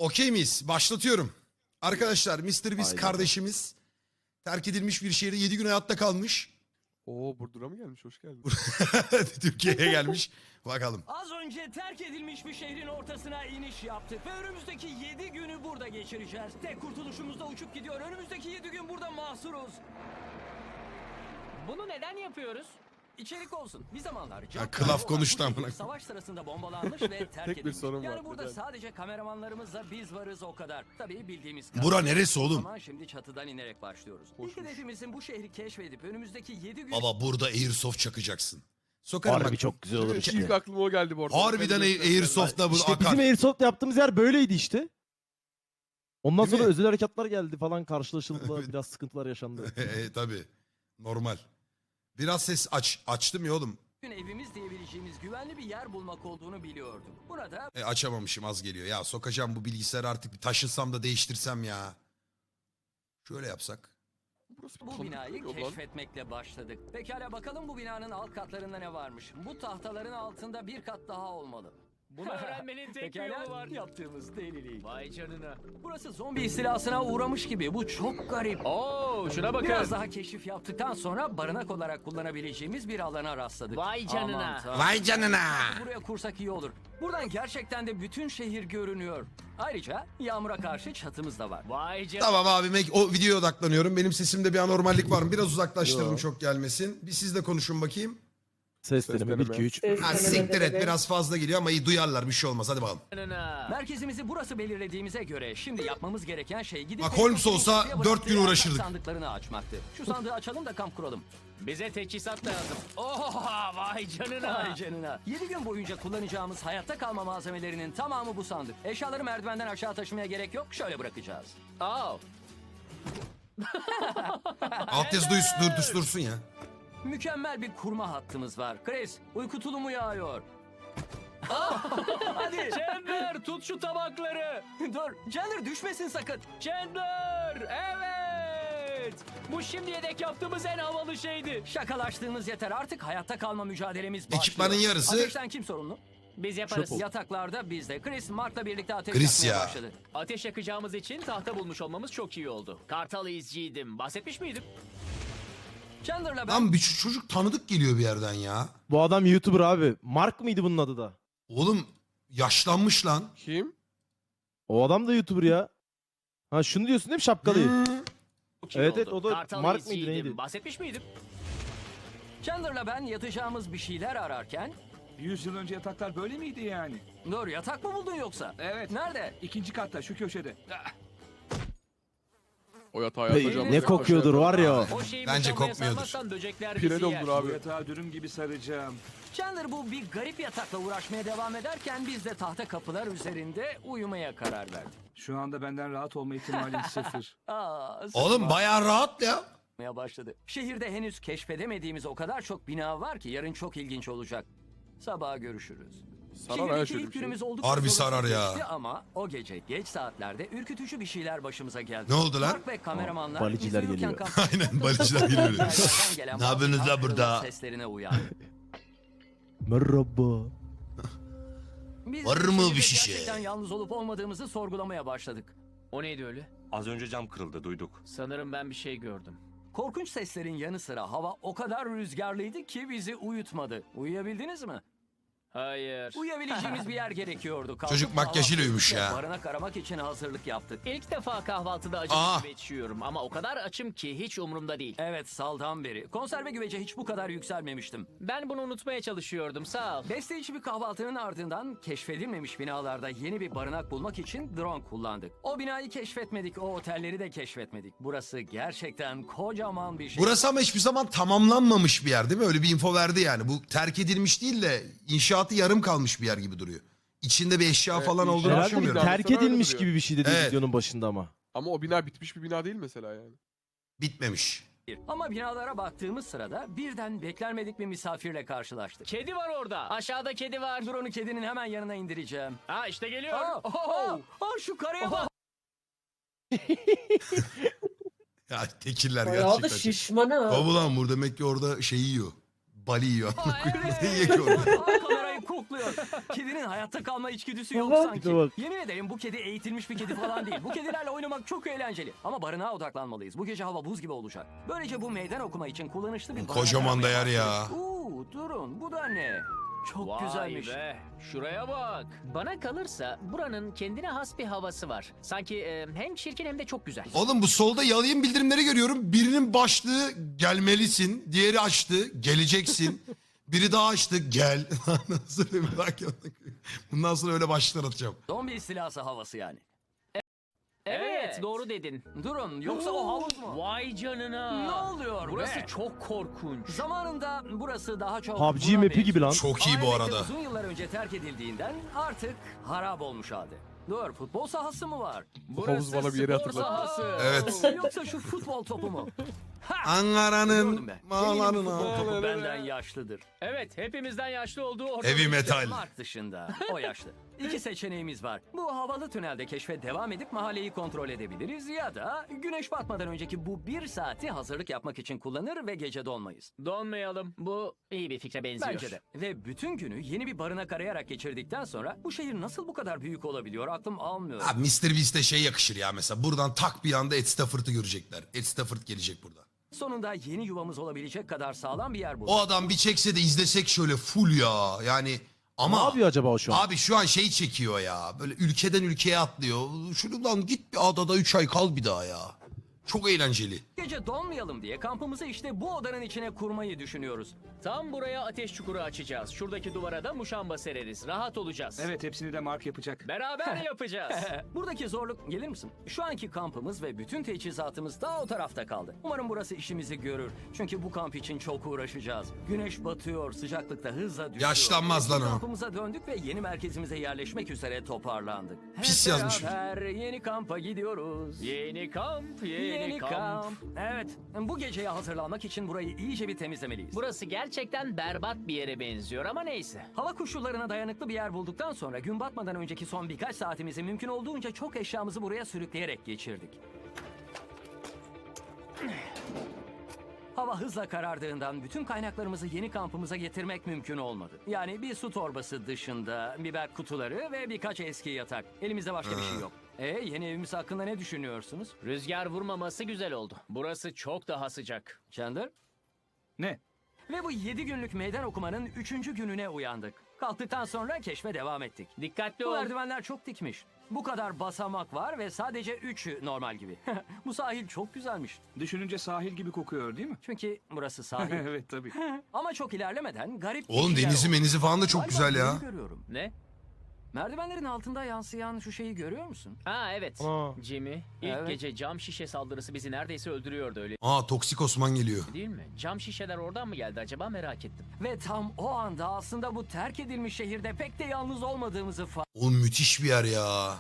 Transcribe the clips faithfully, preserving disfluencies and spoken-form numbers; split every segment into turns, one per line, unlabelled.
Okey miyiz? Başlatıyorum. Arkadaşlar mister Beast
Aynen.
kardeşimiz terk edilmiş bir şehirde yedi gün hayatta kalmış.
Oo Burdur'a mı gelmiş? Hoş geldin.
Türkiye'ye gelmiş. Bakalım.
Az önce terk edilmiş bir şehrin ortasına iniş yaptık ve önümüzdeki yedi günü burada geçireceğiz. Tek kurtuluşumuz da uçup gidiyor. Önümüzdeki yedi gün burada mahsuruz. Bunu neden yapıyoruz? İçerik olsun. Bir zamanlar
Ha, kılaf konuştu
bu
amına
şehir
koyayım.
savaş sırasında bombalanmış ve terk
Tek bir
edilmiş.
sorun var,
Yani burada
neden?
sadece kameramanlarımızla biz varız o kadar. Tabii bildiğimiz
Bura neresi oğlum?
Ama şimdi çatıdan inerek başlıyoruz. İlk
Hoşmuş.
hedefimizin bu şehri keşfedip önümüzdeki yedi gün...
Baba burada Airsoft çakacaksın. Sokarım
Harbi
bak.
çok güzel olur
İlk
işte.
aklıma o geldi bu arada.
Harbiden
Ben de göstereyim.
Airsoft'ta bu
İşte
akar.
bizim Airsoft yaptığımız yer böyleydi işte. Ondan
Değil
sonra
mi?
özel harekatlar geldi falan karşılaşıldı. Biraz sıkıntılar yaşandı.
e, tabii. Normal. Biraz ses aç. Açtım ya oğlum.
gün evimiz diyebileceğimiz güvenli bir yer bulmak olduğunu biliyorduk. Burada
E, açamamışım, az geliyor. Ya sokacağım bu bilgisayarı artık, bir taşınsam da değiştirsem ya. Şöyle yapsak.
Burası bir
bu
tanıdık
binayı
geliyor lan.
keşfetmekle başladık. Pekala bakalım bu binanın alt katlarında ne varmış. Bu tahtaların altında bir kat daha olmalı.
Bunu öğrenmenin tek bir
Pekala,
yolu var.
yaptığımız delilik.
Vay canına.
Burası zombi istilasına uğramış gibi. Bu çok garip.
Oo, şuna bakın.
Biraz daha keşif yaptıktan sonra barınak olarak kullanabileceğimiz bir alana rastladık.
Vay canına.
Aman tanrım.
Vay canına.
Buraya kursak iyi olur. Buradan gerçekten de bütün şehir görünüyor. Ayrıca yağmura karşı çatımız da var.
Vay canına.
Tamam abi, mek- o videoya odaklanıyorum. Benim sesimde bir anormallik var mı? Biraz uzaklaştırdım,
Yo.
çok gelmesin. Bir siz de konuşun bakayım.
Ses
Ses
deneme bir
deneme.
iki üç.
Ha siktir et, biraz fazla geliyor ama iyi duyarlar, bir şey olmaz. Hadi bakalım.
Merkezimizi burası belirlediğimize göre şimdi yapmamız gereken şey gidip...
Bak, Holmes olsa
Kapıya
dört gün
bıraktığı
uğraşırdık.
sandıklarını açmaktı. Şu sandığı açalım da kamp kuralım.
Bize teçhizat lazım. Oha vay canına.
Vay canına. yedi gün boyunca kullanacağımız hayatta kalma malzemelerinin tamamı bu sandık. Eşyaları merdivenden aşağı taşımaya gerek yok. Şöyle bırakacağız.
Aa,
Alt yazı duysun, dur, dur, dursun ya.
Mükemmel bir kurma hattımız var. Chris, uyku tulumu yağıyor. Hadi.
Chandler tut şu tabakları.
Dur, Chandler düşmesin sakın.
Chandler evet. Bu şimdiye dek yaptığımız en havalı şeydi.
Şakalaştığımız yeter. Artık hayatta kalma mücadelemiz başlıyor.
Ekipmanın yarısı-
Ateşten kim sorumlu?
Biz yaparız.
Çöp ol.
Yataklarda bizde. Chris, Mark'la birlikte ateş
Chris
yakmaya
ya.
başladı.
Ateş yakacağımız için tahta bulmuş olmamız çok iyi oldu. Kartal izciydim. Bahsetmiş miydim?
Chandler'la ben...
Lan bir ç- çocuk tanıdık geliyor bir yerden ya.
Bu adam YouTuber abi. Mark mıydı bunun adı da?
Oğlum yaşlanmış lan.
Kim?
O adam da YouTuber ya. Ha şunu diyorsun değil mi şapkalıyı?
Çok iyi
Evet,
oldu.
evet, o da
Kartal
Mark mıydı,
izciydim.
neydi?
Bahsetmiş miydim?
Chandler'la ben yatacağımız bir şeyler ararken...
yüz yıl önce yataklar böyle miydi yani?
Dur, yatak mı buldun yoksa?
Evet.
Nerede?
İkinci katta şu köşede.
O yatağa
Hey,
yatacağım.
ne kokuyordur var ya.
O şeyi
Bence
mutfağına
kokmuyordur.
sarmazsan böcekler
Pire
bizi yer.
doldur
Bu
abi.
yatağı dürüm gibi saracağım.
Chandler bu bir garip yatakla uğraşmaya devam ederken biz de tahta kapılar üzerinde uyumaya karar verdik.
Şu anda benden rahat olma ihtimalin sıfır.
Aa,
Oğlum bayağı rahat ya.
sıkmaya başladı. Şehirde henüz keşfedemediğimiz o kadar çok bina var ki yarın çok ilginç olacak. Sabaha görüşürüz.
Sarar ha
Şehirdeki
şöyle
ilk
bir şey.
günümüz oldukça
Harbi
sorunsuz
sarar ya.
geçti ama o gece geç saatlerde ürkütücü bir şeyler başımıza geldi.
Ne oldu lan?
Mark ve kameramanlar
Aa, baliciler
biz uyurken
geliyor.
kalkıp
Aynen,
çok
baliciler
çok
geliyor.
uzaklardan gelen
Ne yapıyorsunuz
bazı
la burada?
kırılma seslerine uyandı.
Merhaba.
Biz
Var
de
mı
şehirde
bir şişe?
Gerçekten yalnız olup olmadığımızı sorgulamaya başladık.
O neydi öyle?
Az önce cam kırıldı, duyduk.
Sanırım ben bir şey gördüm.
Korkunç seslerin yanı sıra hava o kadar rüzgarlıydı ki bizi uyutmadı. Uyuyabildiniz mi?
Hayır.
Uyuyabileceğimiz bir yer gerekiyordu. Kalkıp
Çocuk makyajıyla
kahvaltı
uyumuş
edip
ya.
Barınak aramak için hazırlık yaptık.
İlk defa kahvaltıda acı
Aa.
bir güveç yiyorum ama o kadar açım ki hiç umurumda değil.
Evet, saldan beri. Konserve güvece hiç bu kadar yükselmemiştim.
Ben bunu unutmaya çalışıyordum sağ ol.
Besleyici bir kahvaltının ardından keşfedilmemiş binalarda yeni bir barınak bulmak için drone kullandık. O binayı keşfetmedik, o otelleri de keşfetmedik. Burası gerçekten kocaman bir şey.
Burası ama hiçbir zaman tamamlanmamış bir yer değil mi? Öyle bir info verdi yani. Bu terk edilmiş değil de inşaatı yarım kalmış bir yer gibi duruyor. İçinde bir eşya
Evet,
falan
inşaat
olduğunu
Herhalde
düşünmüyorum.
bina.
terk
Sana öyle
edilmiş
duruyor.
gibi bir şey dedi
Evet.
videonun başında ama.
Ama o bina bitmiş bir bina değil mesela yani.
Bitmemiş.
Ama binalara baktığımız sırada birden beklenmedik bir misafirle karşılaştık.
Kedi var orada. Aşağıda kedi var.
Drone'u kedinin hemen yanına indireceğim.
Ha işte geliyor.
Aa, aa, aa, şu karaya bak.
Ya tekiller
Bayağı da
gerçekten.
şişman ha.
Baba lan bu demek ki orada şey yiyor. Bali yiyor.
Aa, evet.
Ne yiyor ki orada?
Aa, kamerayı kokluyor. Kedinin hayatta kalma içgüdüsü yok
Bak,
sanki.
bak.
Yemin ederim bu kedi eğitilmiş bir kedi falan değil. Bu kedilerle oynamak çok eğlenceli. Ama barınağa odaklanmalıyız. Bu gece hava buz gibi olacak. Böylece bu meydan okuma için kullanışlı bir barınak
Kocaman da yer
aramaya
ya.
başladık. Uuu durun bu da ne? Çok
Vay
güzelmiş.
be. Şuraya bak. Bana kalırsa buranın kendine has bir havası var. Sanki e, hem çirkin hem de çok güzel.
Oğlum bu solda yalayım bildirimleri görüyorum. Birinin başlığı gelmelisin. Diğeri açtı. Geleceksin. Biri daha açtı. Gel. Nasıl bir merak ettim. Bundan sonra öyle başlıklar atacağım.
Zombi istilası havası yani.
Evet,
Evet.
doğru dedin.
Durun yoksa o havuz mu?
Vay canına.
Ne oluyor
Burası
be?
çok korkunç.
Zamanında burası daha çok...
P U B G
buna
map'i gibi lan.
Çok iyi bu
Ailece
arada.
uzun yıllar önce terk edildiğinden artık harap olmuş halde. Dur futbol sahası mı var?
havuz bana bir yeri
spor
hatırlattı.
sahası.
Evet.
Yoksa şu futbol topu mu? Ha!
Ankara'nın
Gördüm be. Eminim bu futbol
mağalarına.
topu benden yaşlıdır.
Evet, hepimizden yaşlı olduğu ortada.
Heavy metal.
Mark dışında. O yaşlı. İki seçeneğimiz var. Bu havalı tünelde keşfe devam edip mahalleyi kontrol edebiliriz ya da güneş batmadan önceki bu bir saati hazırlık yapmak için kullanır ve gece donmayız.
Donmayalım. Bu iyi bir fikre benziyor.
Bence de. Ve bütün günü yeni bir barınak arayarak geçirdikten sonra bu şehir nasıl bu kadar büyük olabiliyor aklım almıyor.
Abi mister Beast'e şey yakışır ya mesela. Buradan tak bir anda Ed Stafford'ı görecekler. Ed Stafford gelecek burada.
Sonunda yeni yuvamız olabilecek kadar sağlam bir yer bulduk.
O adam bir çekse de izlesek şöyle full ya. Yani ama...
Ne yapıyor acaba o şu an?
Abi şu an şey çekiyor ya. Böyle ülkeden ülkeye atlıyor. Şuradan git bir adada üç ay kal bir daha ya. Çok eğlenceli.
Gece donmayalım diye kampımızı işte bu odanın içine kurmayı düşünüyoruz.
Tam buraya ateş çukuru açacağız. Şuradaki duvara da muşamba sereriz. Rahat olacağız.
Evet, hepsini de Mark yapacak.
Beraber yapacağız.
Buradaki zorluk gelir misin? Şu anki kampımız ve bütün teçhizatımız daha o tarafta kaldı. Umarım burası işimizi görür. Çünkü bu kamp için çok uğraşacağız. Güneş batıyor, sıcaklıkta hızla düşüyor.
Yaşlanmaz lan o.
Kampımıza döndük ve yeni merkezimize yerleşmek üzere toparlandık. Hep
Pis yazmış.
beraber yeni kampa gidiyoruz.
Yeni kamp, yeni,
Yeni
kamp.
kamp. Evet, bu geceye hazırlanmak için burayı iyice bir temizlemeliyiz.
Burası gerçekten berbat bir yere benziyor ama neyse.
Hava koşullarına dayanıklı bir yer bulduktan sonra gün batmadan önceki son birkaç saatimizi mümkün olduğunca çok eşyamızı buraya sürükleyerek geçirdik. Hava hızla karardığından bütün kaynaklarımızı yeni kampımıza getirmek mümkün olmadı. Yani bir su torbası dışında biber kutuları ve birkaç eski yatak. Elimizde başka bir şey yok. E yeni evimiz hakkında ne düşünüyorsunuz?
Rüzgar vurmaması güzel oldu. Burası çok daha sıcak.
Chandler?
Ne?
Ve bu yedi günlük meydan okumanın üçüncü gününe uyandık. Kalktıktan sonra keşfe devam ettik.
Dikkatli
Bu
ol.
merdivenler çok dikmiş. Bu kadar basamak var ve sadece üçü normal gibi. Bu sahil çok güzelmiş.
Düşününce sahil gibi kokuyor değil mi?
Çünkü burası sahil.
Evet tabii.
Ama çok ilerlemeden garip bir
Oğlum
şeyler
denizi
oldu.
menizi falan da çok
Galiba
güzel ya.
bunu görüyorum.
Ne?
Merdivenlerin altında yansıyan şu şeyi görüyor musun?
Aa evet.
Aa.
Jimmy, ilk
Evet.
gece cam şişe saldırısı bizi neredeyse öldürüyordu öyle
Aa toksik Osman geliyor.
değil mi? Cam şişeler oradan mı geldi acaba merak ettim.
Ve tam o anda aslında bu terk edilmiş şehirde pek de yalnız olmadığımızı fark
Oğlum müthiş bir yer ya.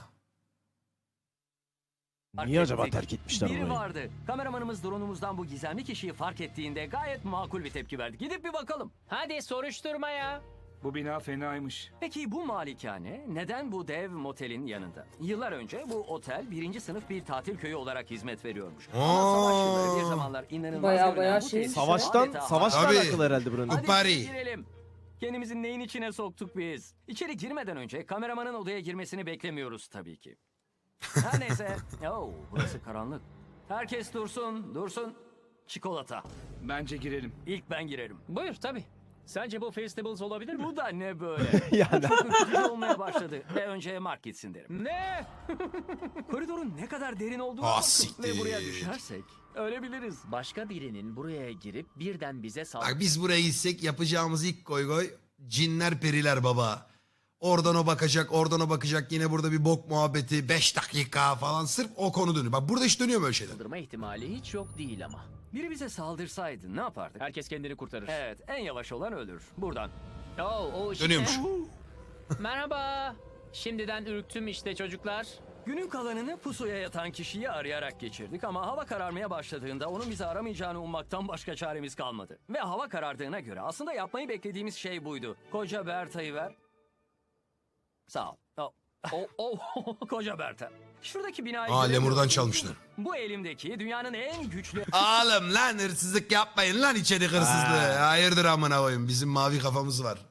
Niye acaba
ettik.
terk etmişler
Biri
orayı?
vardı. Kameramanımız drone'umuzdan bu gizemli kişiyi fark ettiğinde gayet makul bir tepki verdi. Gidip bir bakalım.
Hadi soruşturma ya.
Bu bina fenaymış.
Peki bu malikane neden bu dev motelin yanında? Yıllar önce bu otel birinci sınıf bir tatil köyü olarak hizmet veriyormuş. Ama savaş yılları bir zamanlar inanılmaz
Bayağı
görünen
bayağı
bu
şey-
tesis
Savaştan,
adeta-
savaşla
Tabii.
alakalı herhalde buranın.
Hadi
Kupari.
girelim. Kendimizi neyin içine soktuk biz? İçeri girmeden önce kameramanın odaya girmesini beklemiyoruz tabii ki. Her neyse. Oo, burası karanlık. Herkes dursun, dursun. Çikolata.
Bence girelim.
İlk ben girerim.
Buyur tabii. Sence bu Festivals olabilir mi?
Bu da ne böyle?
Yani
Çok ürkütücü olmaya başladı. Ve önce Mark gitsin derim.
Ne?
Koridorun ne kadar derin olduğunu
Ah,
bakın.
siktir.
Ve buraya düşersek ölebiliriz.
Başka birinin buraya girip birden bize sal...
Bak biz buraya gitsek yapacağımız ilk koy koy cinler periler baba. Oradan o bakacak, oradan o bakacak. Yine burada bir bok muhabbeti, beş dakika falan sırf o konu dönüyor. Bak burada hiç dönüyor böyle şeyler.
Saldırma ihtimali hiç yok değil ama.
Biri bize saldırsaydı ne yapardık?
Herkes kendini kurtarır.
Evet, en yavaş olan ölür. Buradan.
Oo, o işte.
Dönüyormuş.
Merhaba. Şimdiden ürktüm işte çocuklar.
Günün kalanını pusuya yatan kişiyi arayarak geçirdik ama hava kararmaya başladığında onun bizi aramayacağını ummaktan başka çaremiz kalmadı. Ve hava karardığına göre aslında yapmayı beklediğimiz şey buydu. Koca Berta'yı ver. Sağ ol. Oh.
O, o.
Koca Berta. Şuradaki binayı
Aa,
göremiyor
lemurdan
musun?
çalmışlar.
Bu elimdeki dünyanın en güçlü
Oğlum lan hırsızlık yapmayın lan içerik hırsızlığı. Hayırdır amına koyayım bizim mavi kafamız var. O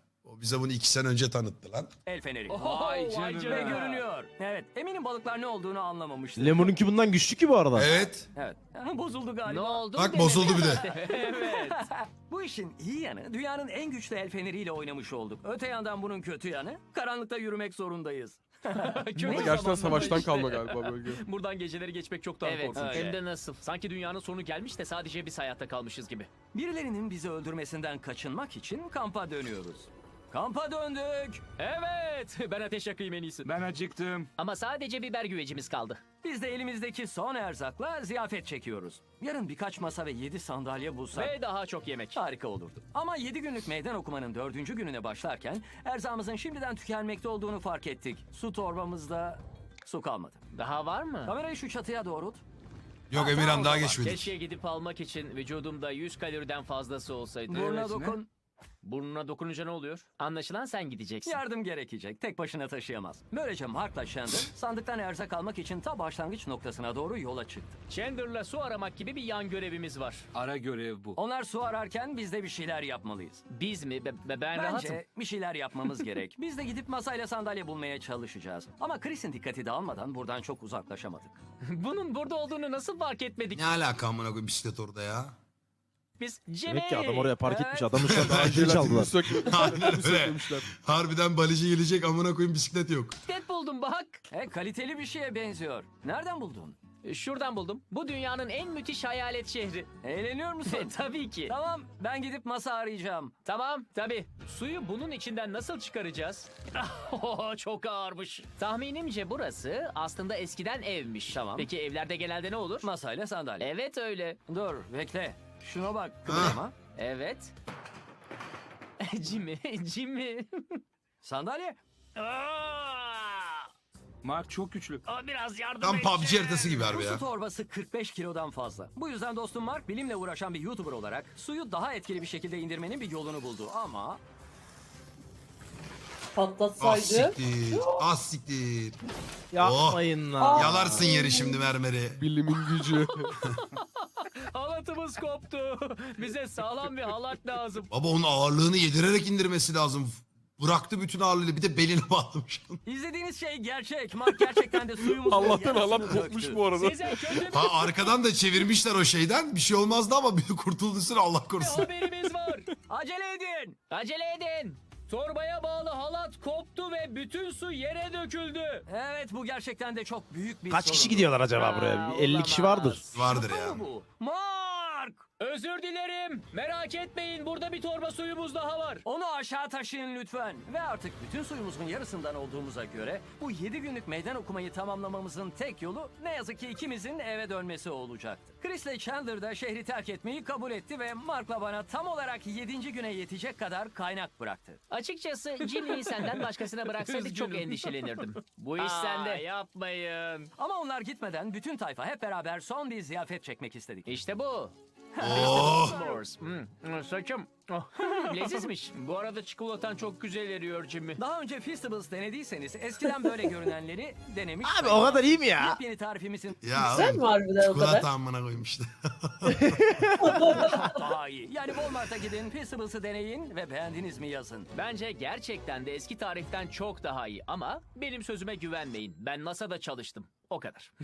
Bize bunu iki sene önce tanıttı lan.
El feneri.
Vay
canına.
Ve görünüyor. Evet, eminim balıklar ne olduğunu anlamamıştı.
Lemon'unki bundan güçlü ki bu arada.
Evet.
Evet. Bozuldu galiba.
Ne oldu?
Bak
demedi.
bozuldu bir de.
Evet. Bu işin iyi yanı dünyanın en güçlü el feneriyle oynamış olduk. Öte yandan bunun kötü yanı karanlıkta yürümek zorundayız.
Kötü
Ama gerçekten
zamanlar
savaştan
işte.
kalma galiba bölge.
Buradan geceleri geçmek çok daha
Evet,
korkunç.
hem de nasıl?
Sanki dünyanın sonu gelmiş de sadece biz hayatta kalmışız gibi.
Birilerinin bizi öldürmesinden kaçınmak için kampa dönüyoruz. Kampa döndük.
Evet, ben ateş yakayım en iyisi.
Ben acıktım.
Ama sadece biber güvecimiz kaldı.
Biz de elimizdeki son erzakla ziyafet çekiyoruz. Yarın birkaç masa ve yedi sandalye bulsak
Ve daha çok yemek.
harika olurdu. Ama yedi günlük meydan okumanın dördüncü gününe başlarken erzağımızın şimdiden tükenmekte olduğunu fark ettik. Su torbamızda su kalmadı.
Daha var mı?
Kamerayı şu çatıya doğrult.
Yok
Ha,
Emirhan
tamam,
daha
o zaman.
geçmedik.
Keşke gidip almak için vücudumda yüz kaloriden fazlası olsaydı.
Burnuna
Evet, ne?
dokun.
Burnuna dokununca ne oluyor?
Anlaşılan sen gideceksin.
Yardım gerekecek. Tek başına taşıyamaz. Böylece Mark'la Chandler sandıktan erzak almak için ta başlangıç noktasına doğru yola çıktı.
Chandler'la su aramak gibi bir yan görevimiz var.
Ara görev bu.
Onlar su ararken biz de bir şeyler yapmalıyız.
Biz mi? Be- be- ben rahatım.
Bence bir şeyler yapmamız gerek. Biz de gidip masayla sandalye bulmaya çalışacağız. Ama Chris'in dikkati dağılmadan buradan çok uzaklaşamadık.
Bunun burada olduğunu nasıl fark etmedik
Ne alaka amına koyayım bisiklet orada ya.
biz? Jimmy!
Demek ki adam oraya park
Evet.
etmiş. Adamı şu an daha önce
Jelatini
çaldılar.
sökme-
Aynen öyle.
sökmemişler.
Harbiden balıcı gelecek amına koyayım bisiklet yok.
Bisiklet buldum bak.
E kaliteli bir şeye benziyor. Nereden buldun?
E, Şuradan buldum. Bu dünyanın en müthiş hayalet şehri.
Eğleniyor musun?
E, Tabii ki.
Tamam, ben gidip masa arayacağım.
Tamam, tabii. Suyu bunun içinden nasıl çıkaracağız? Oh, çok ağırmış.
Tahminimce burası aslında eskiden evmiş.
Tamam.
Peki evlerde genelde ne olur?
Masayla sandalye.
Evet öyle.
Dur, bekle. Şuna bak, kıvırma.
Evet.
Jimmy, Jimmy.
Sandalye.
Mark çok güçlü.
Aa, biraz yardım
Tam
et.
P U B G haritası gibi
Bu
harbi ya.
su torbası kırk beş kilodan fazla. Bu yüzden dostum Mark bilimle uğraşan bir YouTuber olarak suyu daha etkili bir şekilde indirmenin bir yolunu buldu. Ama
Ah
Patlatsaydı.
siktir. Ah siktir.
Yapmayın lan.
Yalarsın yeri şimdi mermeri.
Bilimin gücü.
Halatımız koptu. Bize sağlam bir halat lazım.
Baba onun ağırlığını yedirerek indirmesi lazım. Bıraktı bütün ağırlığını bir de beline bağlamış.
izlediğiniz şey gerçek. Mark gerçekten de suyumuzun
Allah'tan
yarısını
halat
döktü.
kopmuş bu arada.
Size kötü bir
Ha arkadan da çevirmişler o şeyden. Bir şey olmazdı ama bir kurtulduysun Allah korusun.
haberimiz var.
Acele edin.
Acele edin.
Torbaya bağlı halat koptu ve bütün su yere döküldü.
Evet bu gerçekten de çok büyük bir
Kaç
sorun.
kişi gidiyorlar acaba
Aa,
buraya? Bir elli kişi
olamaz.
vardır.
Vardır
Şaka
ya.
mı bu? Mark!
Özür dilerim. Merak etmeyin, burada bir torba suyumuz daha var.
Onu aşağı taşıyın lütfen. Ve artık bütün suyumuzun yarısından olduğumuza göre bu yedi günlük meydan okumayı tamamlamamızın tek yolu ne yazık ki ikimizin eve dönmesi olacaktı. Chris ile Chandler da şehri terk etmeyi kabul etti ve Mark'la bana tam olarak yedinci güne yetecek kadar kaynak bıraktı.
Açıkçası Jimmy'yi senden başkasına bıraksaydık çok
Üzgünüm.
endişelenirdim. Bu iş
Aa,
sende.
yapmayın.
Ama onlar gitmeden bütün tayfa hep beraber son bir ziyafet çekmek istedik.
İşte bu.
Oh.
S'mores. Hmm, hmm, saçım. Oh, lezizmiş.
Bu arada çikolatan çok güzel eriyor Jimmy.
Daha önce Feastables denediyseniz eskiden böyle görünenleri denemiş.
Abi o kadar iyi mi ya?
Yepyeni tarifimizin
Ya
Güzel
oğlum,
mi harbiden o kadar?
çikolata amına koyayım işte.
daha iyi. Yani Walmart'a gidin, Feastables'ı deneyin ve beğendiniz mi yazın.
Bence gerçekten de eski tariften çok daha iyi ama benim sözüme güvenmeyin. Ben NASA'da çalıştım. O kadar.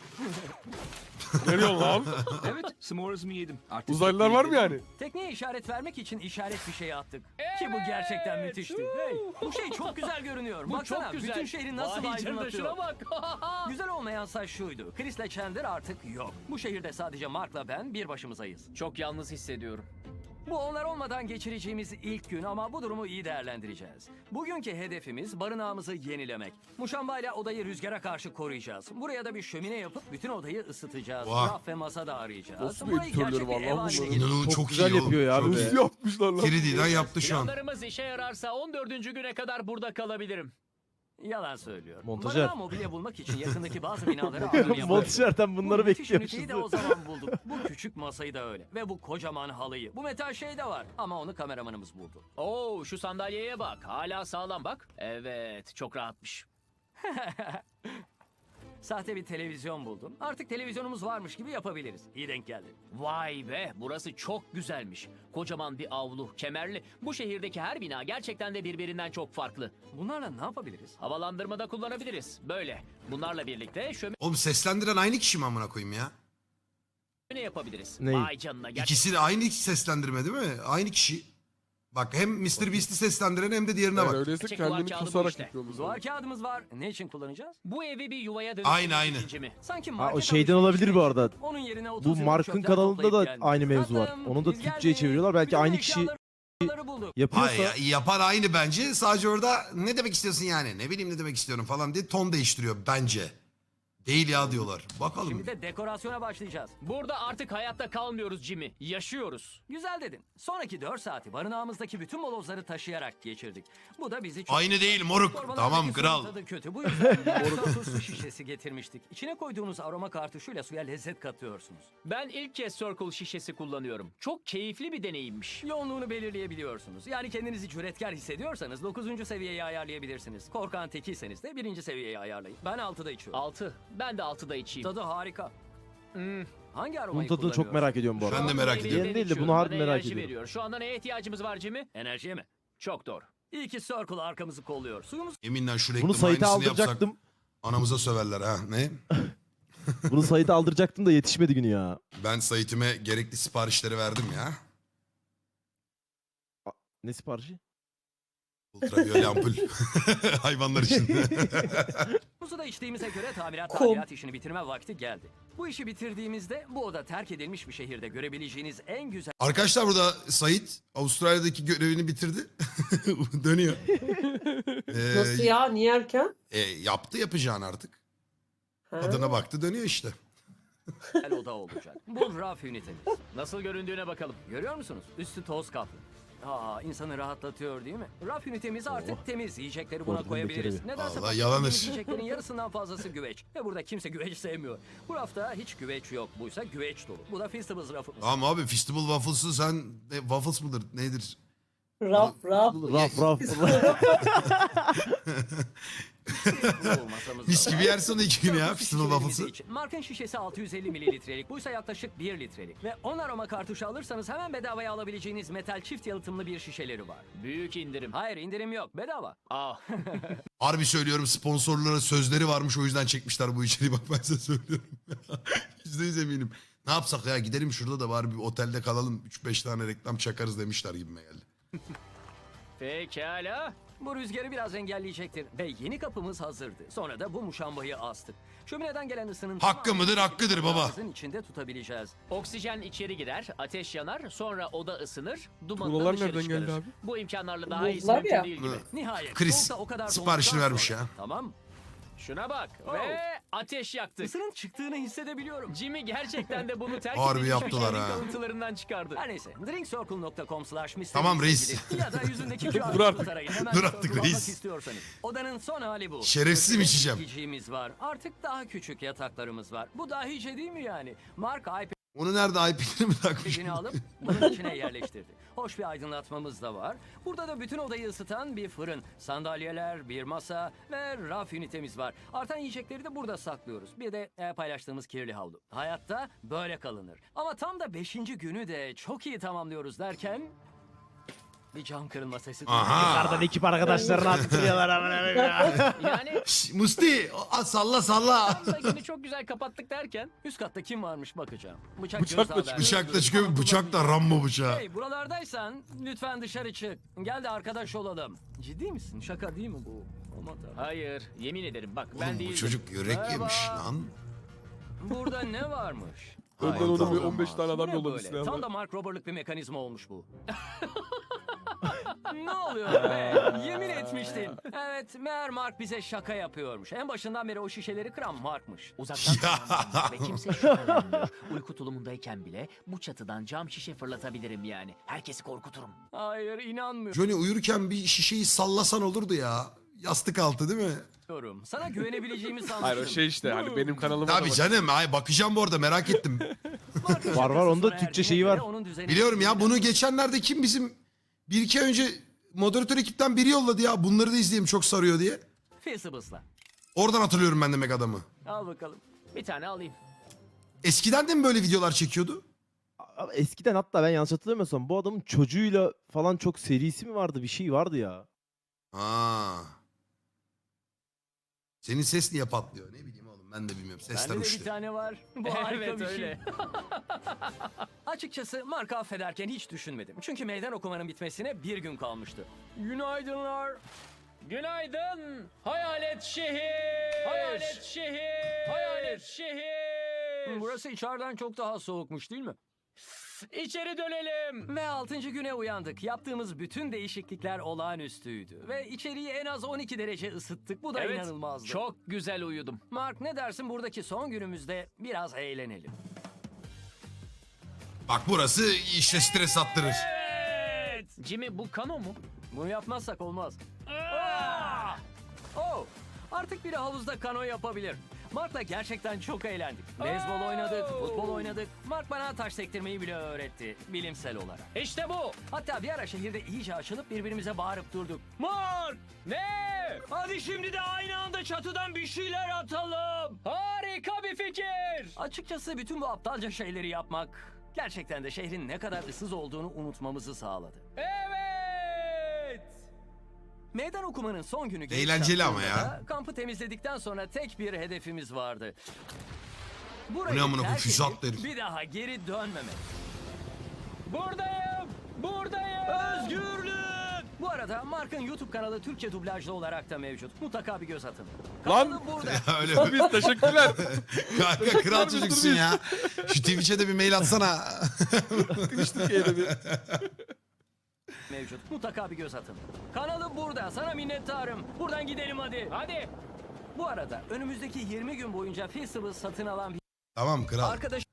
Ne diyorsun lan?
Evet, s'mores'ımı yedim. Artık
Uzaylılar var mı yani?
Tekneye işaret vermek için işaret bir şey attık. Ki bu gerçekten müthişti. Hey, bu şey çok güzel görünüyor.
Bu
Baksana
çok güzel.
bütün şehri nasıl
Vay canına,
aydınlatıyor.
şuna bak.
Güzel olmayansa şuydu. Chris ile Chandler artık yok. Bu şehirde sadece Mark'la ben bir başımızayız.
Çok yalnız hissediyorum.
Bu onlar olmadan geçireceğimiz ilk gün ama bu durumu iyi değerlendireceğiz. Bugünkü hedefimiz barınağımızı yenilemek. Muşambayla odayı rüzgara karşı koruyacağız. Buraya da bir şömine yapıp bütün odayı ısıtacağız.
Vah.
Raf ve masa da arayacağız.
Nasıl bir
Burayı
editörleri
gerçek bir
var
ev
lan
haline
bunların?
getireceğiz.
İnanılmaz çok,
güzel
iyi
yapıyor ya
oğlum.
abi.
Çok
Nasıl
iyi.
yapmışlar lan?
üç D'den yaptı şu an.
Planlarımız işe yararsa on dördüncü güne kadar burada kalabilirim.
Yalan söylüyor.
Montajer.
Barınağı mobilya bulmak için yakındaki bazı binaları alım yaptık.
Montajer'den bunları
Bu müthiş üniteyi
bekliyormuşuz.
de o zaman bulduk. Bu küçük masayı da öyle. Ve bu kocaman halıyı. Bu metal şey de var. Ama onu kameramanımız buldu.
Oo, şu sandalyeye bak. Hala sağlam bak. Evet, çok rahatmış.
Sahte bir televizyon buldum. Artık televizyonumuz varmış gibi yapabiliriz. İyi denk geldi.
Vay be, burası çok güzelmiş. Kocaman bir avlu, kemerli. Bu şehirdeki her bina gerçekten de birbirinden çok farklı.
Bunlarla ne yapabiliriz?
Havalandırmada kullanabiliriz. Böyle. Bunlarla birlikte
Oğlum seslendiren aynı kişi mi amına koyayım ya?
şömine yapabiliriz.
Ney?
Vay canına. Gerçekten
İkisi de aynı seslendirme değil mi? Aynı kişi. Bak hem mister Beast'i seslendiren hem de diğerine
Yani
bak.
öyleyse
Gerçek duvar
kendini
kağıdı bu
kusarak
işte.
yapıyoruz.
Duvar kağıdımız var. Ne için kullanacağız?
bu evi bir yuvaya dönüştürmek
Aynı, aynı.
için mi?
Sanki
Ha,
market
o şeyden
alışverişi
olabilir bu arada.
için. Onun yerine otuz
Bu
yıllık
Mark'ın
çöpler
kanalında da
toplayıp
aynı
geldik.
mevzu var.
Tatlım,
Onu da
biz
Türkçe'ye
geldik.
çeviriyorlar. Belki
Bütün
aynı kişi
eşyaları bulduk.
yapıyorsa.
Ay ya, yapan aynı bence. Sadece orada ne demek istiyorsun yani? Ne bileyim ne demek istiyorum falan diye ton değiştiriyor bence. Değil ya diyorlar. Bakalım.
Şimdi de dekorasyona başlayacağız.
Burada artık hayatta kalmıyoruz Jimmy. Yaşıyoruz.
Güzel dedin. Sonraki dört saati barınağımızdaki bütün molozları taşıyarak geçirdik. Bu da bizi çok...
Aynı değil moruk.
Torbalardaki
Tamam
suyun
kral.
tadı kötü. Bu yüzden moruk su şişesi getirmiştik. İçine koyduğunuz aroma kartuşuyla suya lezzet katıyorsunuz.
Ben ilk kez Circle şişesi kullanıyorum. Çok keyifli bir deneyimmiş.
Yoğunluğunu belirleyebiliyorsunuz. Yani kendinizi cüretkar hissediyorsanız dokuzuncu seviyeye ayarlayabilirsiniz. Korkan tekiyseniz de birinci seviyeye ayarlayın. Ben altıda içiyorum.
altı. Ben de altıda içeyim.
Tadı harika.
Hmm.
Hangi
Bunun
aromayı
tadını çok
kullanıyorsun?
merak ediyorum bu arada.
Ben de merak
Şu
ediyorum.
anda
Yeni değil de
içiyorum.
bunu harbi
Bana
merak
enerji
ediyorum.
veriyor. Şu anda neye ihtiyacımız var Jimmy?
Enerjiye mi?
Çok doğru.
İyi ki Circle arkamızı kolluyor. Suyumuz
Yeminle şu
Bunu
reklamın
Sait'e
aynısını yapsak
aldıracaktım.
anamıza söverler ha. Ne?
Bunu Sait'e aldıracaktım da yetişmedi günü ya.
Ben Sait'ime gerekli siparişleri verdim ya.
Ne siparişi?
Ultraviyole ampul. Hayvanlar için.
da içtiğimize göre tamirat
Kum.
tadilat işini bitirme vakti geldi. Bu işi bitirdiğimizde bu oda terk edilmiş bir şehirde görebileceğiniz en güzel
Arkadaşlar burada Sait Avustralya'daki görevini bitirdi. Dönüyor. Ee,
Nasıl ya? Niye erken?
E, yaptı yapacağını artık.
Ha?
Adına baktı dönüyor işte.
oda olacak. Bu raf ünitemiz.
Nasıl göründüğüne bakalım.
Görüyor musunuz? Üstü toz kaplı. Aa, insanı rahatlatıyor değil mi? Raf ünitemiz artık temiz. Yiyecekleri buna
Ordunun
koyabiliriz.
bekleri.
Nedense
Vallahi
bu
yalanır.
yiyeceklerin yarısından fazlası güveç. Ve burada kimse güveç sevmiyor. Bu rafta hiç güveç yok. Buysa güveç dolu. Bu da Feastables rafımız.
Tamam abi Festival Waffles'ı sen e, Waffles mıdır nedir?
Raf raf.
Raf raf.
Bu masamız da
Mis
var.
gibi yersin onu iki gün ya
Bu
Festival
şişelerimiz
Waffles'ı.
için. Markın şişesi altı yüz elli mililitrelik. Buysa yaklaşık bir litrelik. Ve on aroma kartuşu alırsanız hemen bedavaya alabileceğiniz metal çift yalıtımlı bir şişeleri var.
Büyük indirim.
Hayır indirim yok. Bedava.
Ah,
Harbi söylüyorum sponsorlara sözleri varmış o yüzden çekmişler bu içeriği bak ben size söylüyorum. Yüzde yüz eminim. Ne yapsak ya gidelim şurada da var bir otelde kalalım üç beş tane reklam çakarız demişler gibime geldi.
pekala.
Bu rüzgarı biraz engelleyecektir. Ve yeni kapımız hazırdı. Sonra da bu muşambayı astık. Şömineden gelen ısının...
Hakkı mıdır, hakkıdır baba.
Kapımızın içinde tutabileceğiz.
Oksijen içeri girer, ateş yanar, sonra oda ısınır, dumanı da
Tuğlalar
dışarı
nereden
çıkarır.
geldi abi?
Bu imkanlarla daha iyisi
Buzlar
mümkün
ya.
değil gibi.
Nihayet.
Chris,
soğukta o kadar
siparişini
donduktan
vermiş
sonra-
ya.
Tamam.
Şuna bak
Oh.
ve ateş yaktık.
Isının çıktığını hissedebiliyorum.
Jimmy gerçekten de bunu terk
Harbi
edilmiş bir
yaptılar
şehrin
ha.
kalıntılarından çıkardı.
Her neyse. drinkcircle nokta com slash
Tamam reis.
Ya da yüzündeki Q R
Dur artık.
kodu tarayın. Hemen
Dur
bir
artık
circle
reis.
almak istiyorsanız. Odanın son hali bu.
Şerefsiz mi
Köşede
içeceğim?
yiyeceğimiz var. Artık daha küçük yataklarımız var. Bu dahice değil mi yani? Mark
Onu nerede I P'leri mi takmış?
iPad'ini alıp bunun içine yerleştirdi. Hoş bir aydınlatmamız da var. Burada da bütün odayı ısıtan bir fırın, sandalyeler, bir masa ve raf ünitemiz var. Artan yiyecekleri de burada saklıyoruz. Bir de e, paylaştığımız kirli havlu. Hayatta böyle kalınır. Ama tam da beşinci günü de çok iyi tamamlıyoruz derken... Bir cam kırılma sesi duyduk.
Aha.
Yukarıdan ekip arkadaşlarını attırıyorlar amına koyayım ya.
Yani
Şş, Musti a, salla salla.
tam da günü çok güzel kapattık derken
Üst katta kim varmış bakacağım. Bıçak
Bıçakla
gözdağı
çıkıyor.
verdi.
Bıçakla çıkıyor bıçak da Rambo bıçağı.
Hey buralardaysan lütfen dışarı çık. Gel de arkadaş olalım. Ciddi misin? Şaka değil mi bu? Aman tanrım.
hayır yemin ederim bak ben
Oğlum bu
değildim.
çocuk yürek
Merhaba.
yemiş lan.
Burada ne varmış?
Önden
Ay,
onu bir
tamam.
on beş tane adam
Bu ne
yolladı
böyle?
silahla.
Tam da Mark Robert'lık bir mekanizma olmuş bu. Ne oluyor be? Yemin etmiştin. Evet, meğer Mark bize şaka yapıyormuş. En başından beri o şişeleri kıran Mark'mış.
Uzaktan
Ya.
kumandalı ve kimse şüphelenmiyor. Uyku tulumundayken bile bu çatıdan cam şişe fırlatabilirim yani. Herkesi korkuturum.
Hayır, inanmıyorum.
Johnny uyurken bir şişeyi sallasan olurdu ya. Yastık altı değil mi?
Sana güvenebileceğimi sanmıştım.
Hayır o şey işte hani benim kanalıma da
Tabii
bak.
canım ay bakacağım bu arada merak ettim.
Mark'ın
Var, var, onda
şakası
Türkçe
sona
şeyi
erdiğine
var.
göre onun düzeni-
Biliyorum ya bunu geçenlerde kim bizim bir iki ay önce moderatör ekipten biri yolladı ya bunları da izleyeyim çok sarıyor diye.
Feastables'la.
Oradan hatırlıyorum ben demek adamı.
Al bakalım.
Bir tane alayım.
Eskiden de mi böyle videolar çekiyordu?
Abi eskiden hatta ben yanlış hatırlamıyorsam bu adamın çocuğuyla falan çok serisi mi vardı, bir şey vardı ya.
Aa. Senin ses niye patlıyor? Ne bileyim oğlum, ben de bilmiyorum. Sesler
Bende de bir
uçtu.
tane var. Bu harika
Evet,
bir şey.
öyle.
Açıkçası Mark'ı affederken hiç düşünmedim. Çünkü meydan okumanın bitmesine bir gün kalmıştı. Günaydınlar.
Günaydın. Hayalet şehir. Hayalet şehir. Hayalet şehir.
Burası içeriden çok daha soğukmuş değil mi?
İçeri dönelim.
Ve altıncı güne uyandık. Yaptığımız bütün değişiklikler olağanüstüydü. Ve içeriği en az on iki derece ısıttık. Bu da
Evet,
inanılmazdı.
çok güzel uyudum.
Mark, ne dersin buradaki son günümüzde biraz eğlenelim?
Bak burası işte stres attırır.
Evet. Jimmy, bu kano mu?
Bunu yapmazsak olmaz. Aa! Oh! Artık biri havuzda kano yapabilir. Mark'la gerçekten çok eğlendik. Beyzbol oynadık, futbol oynadık. Mark bana taş sektirmeyi bile öğretti, bilimsel olarak.
İşte bu.
Hatta bir ara şehirde iyice açılıp birbirimize bağırıp durduk.
Mark. Ne?
Hadi şimdi de aynı anda çatıdan bir şeyler atalım.
Harika bir fikir.
Açıkçası bütün bu aptalca şeyleri yapmak gerçekten de şehrin ne kadar ıssız olduğunu unutmamızı sağladı.
Evet.
Meydan okumanın son günü gelip
Eğlenceli ama
çattığında
ya.
da kampı temizledikten sonra tek bir hedefimiz vardı.
Bu
Burayı
ne amına koyayım,
terk
füze
edip
attı herif.
bir daha geri dönmemek.
Buradayım. Buradayım.
Özgürlük! Bu arada Mark'ın YouTube kanalı Türkçe dublajlı olarak da mevcut. Mutlaka bir göz atın.
Lan!
Kanalı burada.
Öyle.
Biz teşekkürler.
Kanka kral çocuksun ya. Şu Twitch'e de bir mail atsana.
Türkiye'de bir.
Mevcut. Mutlaka bir göz atın. Kanalı burada. Sana minnettarım. Buradan gidelim hadi.
Hadi.
Bu arada önümüzdeki yirmi gün boyunca Feastables satın alan bir
Tamam kral.
arkadaş